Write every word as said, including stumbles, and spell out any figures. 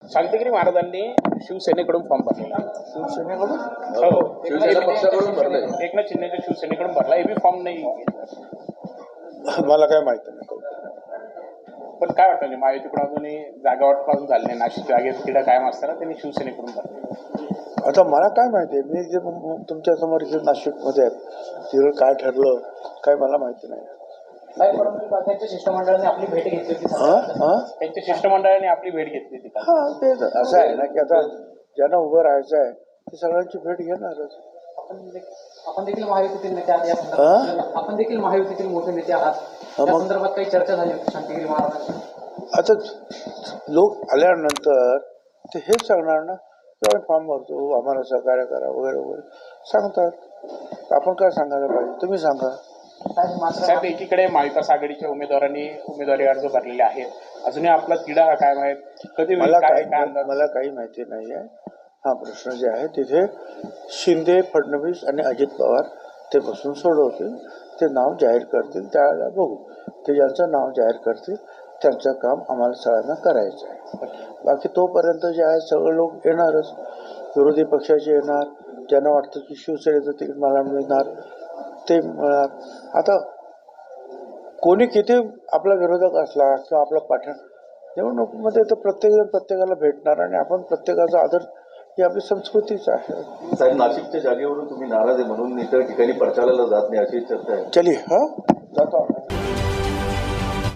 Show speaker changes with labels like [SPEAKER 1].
[SPEAKER 1] शांतिगिरी महाराजांनी शिवसेनेकडून फॉर्म भरलेला.
[SPEAKER 2] शिवसेनेकडून
[SPEAKER 1] हो,
[SPEAKER 3] शिवसेना पक्षाकडून भरलाय.
[SPEAKER 1] एकनाथ शिंदेच्या शिवसेनेकडून भरला. एबी फॉर्म नाही.
[SPEAKER 2] मला काय माहिती नाही.
[SPEAKER 1] पण काय वाटतं म्हणजे महायुतीकडून अजूनही जागा वाटपासून झाली नाही. नाशिक जागेत तिला कायम असताना त्यांनी शिवसेनेकडून भरले.
[SPEAKER 2] आता मला काय माहिती आहे, मी जे तुमच्या समोर इथे नाशिकमध्ये आहेत तिथं काय ठरलं काय मला माहिती नाही.
[SPEAKER 4] त्यांच्या शिष्टमंडळाने आपली भेट घेतली होती.
[SPEAKER 2] हां हां
[SPEAKER 1] त्यांच्या शिष्टमंडळाने आपली भेट घेतली होती.
[SPEAKER 2] हां ते असं आहे ना की आता ज्यांना उभं राहायचं आहे ते सगळ्यांची भेट घेणारच.
[SPEAKER 4] आपण देखील आपण देखील महायुतीतील नेते आहात या संदर्भात आपण देखील महायुतीतील मोठे नेते आहात या संदर्भात काही चर्चा झाली होती शांतिगिरी महाराजांची.
[SPEAKER 2] आता लोक आल्यानंतर ते हेच सांगणार ना की आम्ही फॉर्म भरतो, आम्हाला सहकार्य करा वगैरे वगैरे सांगतात. आपण काय सांगायला पाहिजे तुम्ही सांगा.
[SPEAKER 1] साहेब, एकीकडे महाविकास आघाडीच्या उमेदवारांनी उमेदवारी अर्ज भरलेले आहेत. अजूनही आपला तिढा हा काय माहित कधी
[SPEAKER 2] मला
[SPEAKER 1] काय
[SPEAKER 2] काही
[SPEAKER 1] काय अंदाज?
[SPEAKER 2] मला काही माहिती नाही आहे. हा प्रश्न जे आहे तिथे शिंदे, फडणवीस आणि अजित पवार ते बसून सोडवतील. ते नाव जाहीर करतील त्यावेळेला बघू. ते ज्यांचं नाव जाहीर करतील त्यांचं काम आम्हाला सगळ्यांना करायचं आहे. बाकी तोपर्यंत जे आहे सगळे लोक येणारच. विरोधी पक्षाचे येणार, ज्यांना वाटतं की शिवसेनेचं तिकीट मला मिळणार ते मिळणार. आता कोणी किती आपला विरोधक असला किंवा आपला पाठण निवडणुकीमध्ये तर प्रत्येकजण प्रत्येकाला भेटणार आणि आपण प्रत्येकाचा आदर ही आपली संस्कृतीच आहे.
[SPEAKER 3] साहेब, नाशिकच्या जागेवरून तुम्ही नाराज आहे म्हणून इतर ठिकाणी प्रचाराला जात नाही अशी चर्चा आहे.
[SPEAKER 2] चलिए हां जातो.